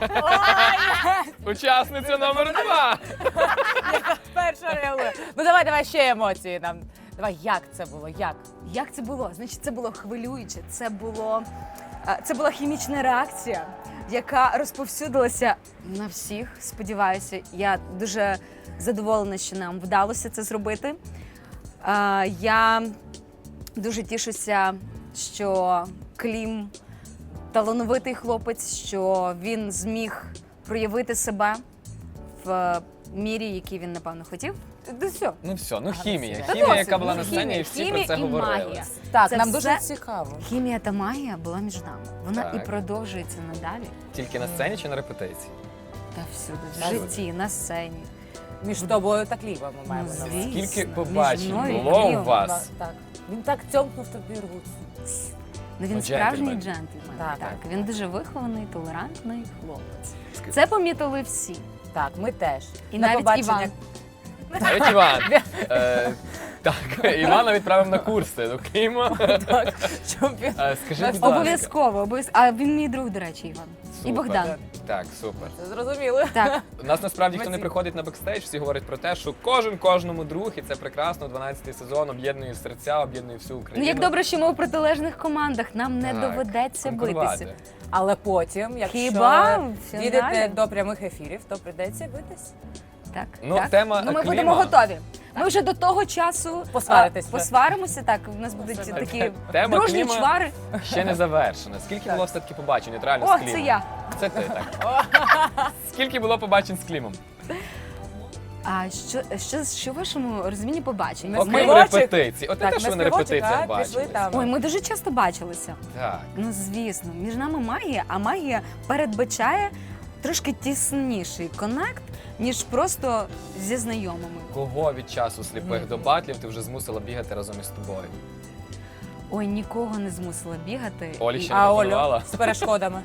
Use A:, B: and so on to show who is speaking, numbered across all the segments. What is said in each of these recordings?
A: Учасниця номер 2.
B: Перша реагує. Ну давай ще емоції нам. Давай, як це було?
C: Як це було? Значить, це було хвилююче, це була хімічна реакція, яка розповсюдилася на всіх, сподіваюся. Я дуже задоволена, що нам вдалося це зробити. Я дуже тішуся, що Клім талановитий хлопець, що він зміг проявити себе в мірі, який він, напевно, хотів.
A: Ну все, хімія.
B: Та
A: Хімія, яка
C: досить.
A: була на сцені, і всі про це
C: і
A: говорили.
C: магія.
B: Так,
C: Це
B: нам
C: все-
B: дуже цікаво.
C: Хімія та магія була між нами. Вона
A: Так.
C: і продовжується надалі.
A: Тільки на сцені чи на репетиції?
C: Та всюди, в
B: Так.
C: житті, на сцені.
B: Між тобою та Клімом ми маємо
C: Ну,
B: на увазі.
C: звісно.
A: Скільки
C: між
A: побачень
C: мною і
A: було у
C: Клімом.
A: вас?
B: Так. Він так цьомкнув тобі руку.
C: Ну, він
A: Ну,
C: справжній
A: джентльмен.
C: джентльмен.
B: Так.
C: Так. Він дуже вихований, толерантний хлопець.
A: Ск-
C: Це помітили всі.
B: Так, ми теж.
C: І
B: На
C: навіть
B: побачення.
C: Іван.
A: Навіть Іван. Так, Івана відправив на курси до Кліма.
B: Так, щоб він...
A: Скажи, будь ласка.
C: Обов'язково. А він мій друг, до речі, Іван.
A: Супер.
C: І Богдан.
A: Так, супер.
B: Це зрозуміло.
C: Так.
A: У нас насправді хто не
B: Емоції.
A: приходить на бекстейдж, всі говорять про те, що кожен кожному друг, і це прекрасно. 12-й сезон об'єднує серця, об'єднує всю
C: Ну,
A: Україну.
C: як добре, що ми у протилежних командах. Нам не
A: Так,
C: доведеться
A: конкурувати.
C: битися.
B: Але потім, якщо
C: Хіба в фіналі?
B: дійдете до прямих ефірів, то прийдеться битись.
C: Так,
A: Ну,
C: так.
A: тема
C: Ну, ми
A: Кліма.
C: будемо готові. Ми вже до того часу
B: Посваритесь вже.
C: посваримося. Так, у нас будуть такі
A: Тема
C: дружні
A: Кліма
C: чвари.
A: ще не завершена. Скільки було все-таки побачень реально
C: О,
A: з Клімом?
C: це я.
A: Це ти, так. Скільки було побачень з Клімом?
C: А що в вашому розумінні побачення?
B: Ми
A: Окрім
B: співочок.
A: репетицій. От не те, що ви на
B: співочок,
A: репетиціях
B: а пішли
A: бачили.
B: там.
C: Ой, ми дуже часто бачилися.
A: Так.
C: Ну, звісно, між нами магія, а магія передбачає трошки тісніший коннект, ніж просто зі знайомими.
A: Кого від часу сліпих до батлів ти вже змусила бігати разом із тобою?
C: Ой, нікого не змусила бігати.
A: Олі
C: І-
A: ще не
B: А Олю
A: пропонувала?
B: з перешкодами.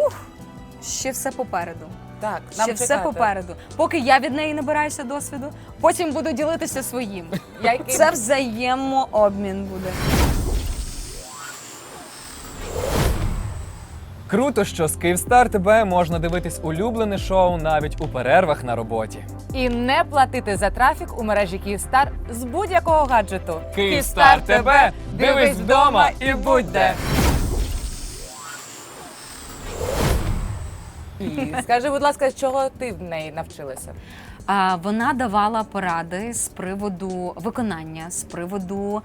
C: Ще все попереду.
B: Так, нам
C: Ще все
B: чекати.
C: попереду. Поки я від неї набираюся досвіду, потім буду ділитися своїм. Це взаємообмін буде.
A: Круто, що з Київстар ТБ можна дивитись улюблене шоу навіть у перервах на роботі.
B: І не платити за трафік у мережі Київстар з будь-якого гаджету.
A: Київстар ТБ, дивись вдома і будь де.
B: І скажи, будь ласка, чого ти в неї навчилася?
C: Вона давала поради з приводу виконання, з приводу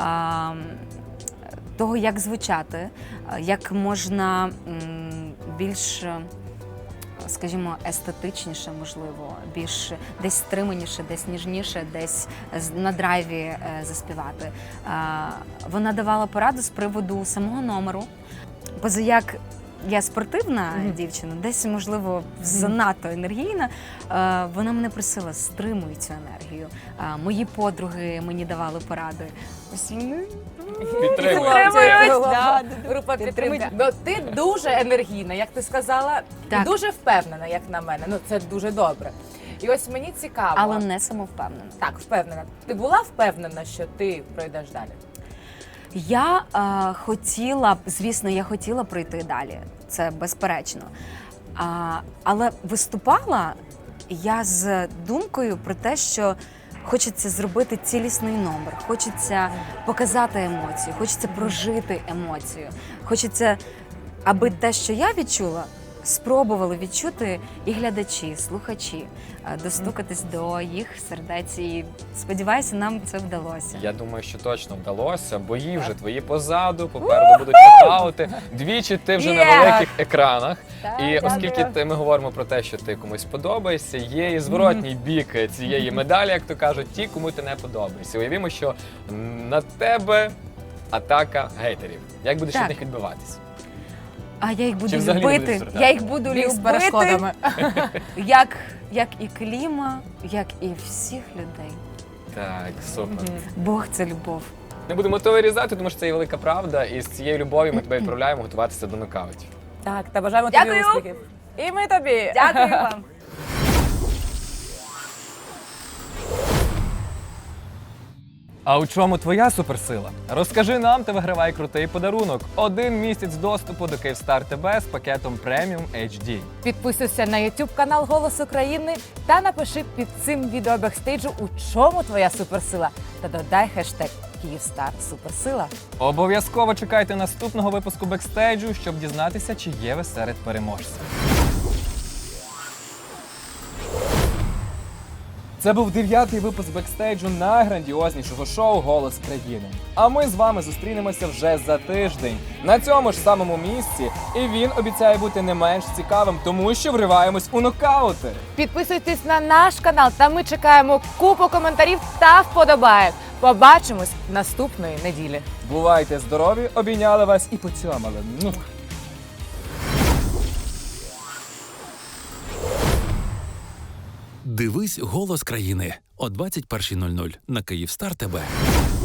C: того, як звучати, як можна більш, скажімо, естетичніше, можливо, більш десь стриманіше, десь ніжніше, десь на драйві заспівати. Вона давала пораду з приводу самого номеру. Позаяк я спортивна дівчина, десь, можливо, занадто енергійна. Вона мене просила, стримуй цю енергію. Мої подруги мені давали поради. Ось вони
A: Підтримує.
B: Да, група підтримки. Ну, ти дуже енергійна, як ти сказала,
C: Так.
B: і дуже впевнена, як на мене. Ну, це дуже добре. І ось мені цікаво.
C: але не самовпевнена.
B: Так, впевнена. Ти була впевнена, що ти пройдеш далі?
C: Я хотіла, звісно, я хотіла пройти далі, це безперечно. Але виступала я з думкою про те, що хочеться зробити цілісний номер, хочеться показати емоцію, хочеться прожити емоцію, хочеться, аби те, що я відчула, спробували відчути і глядачі, слухачі, достукатись до їх сердець. І сподіваюся, нам це вдалося.
A: Я думаю, що точно вдалося. Бої вже твої позаду, попереду будуть нокаути. Двічі ти вже на великих екранах. І оскільки ми говоримо про те, що ти комусь подобаєшся, є і зворотній бік цієї медалі, як то кажуть, ті, кому ти не подобаєшся. Уявімо, що на тебе атака гейтерів. Як будеш
C: Так.
A: від них відбиватись?
C: А я їх буду
A: Чи взагалі не
C: любити,
A: будеш страждати?
C: я їх буду
B: Біг з
C: любити,
B: перешкодами.
C: як і Кліма, як і всіх людей.
A: Так, супер.
C: Бог – це любов.
A: Не будемо то вирізати, тому що це є велика правда. І з цією любов'ю ми тебе відправляємо готуватися до нокаутів.
B: Так, та бажаємо тобі
C: Дякую.
B: успіхів. І ми тобі.
C: Дякую вам.
A: А у чому твоя суперсила? Розкажи нам та вигравай крутий подарунок. 1 місяць доступу до Київстар ТБ з пакетом Premium HD.
B: Підписуйся на YouTube канал Голос України та напиши під цим відео бекстейджу, у чому твоя суперсила. Та додай хештег Київстар Суперсила.
A: Обов'язково чекайте наступного випуску бекстейджу, щоб дізнатися, чи є ви серед переможців. Це був 9-й випуск бекстейджу найграндіознішого шоу «Голос країни». А ми з вами зустрінемося вже за тиждень на цьому ж самому місці. І він обіцяє бути не менш цікавим, тому що вриваємось у нокаути.
B: Підписуйтесь на наш канал, та ми чекаємо купу коментарів та вподобаєк. Побачимось наступної неділі.
A: Бувайте здорові, обійняли вас і поцьомали.
D: Дивись «Голос країни» о 21:00 на Київстар ТБ.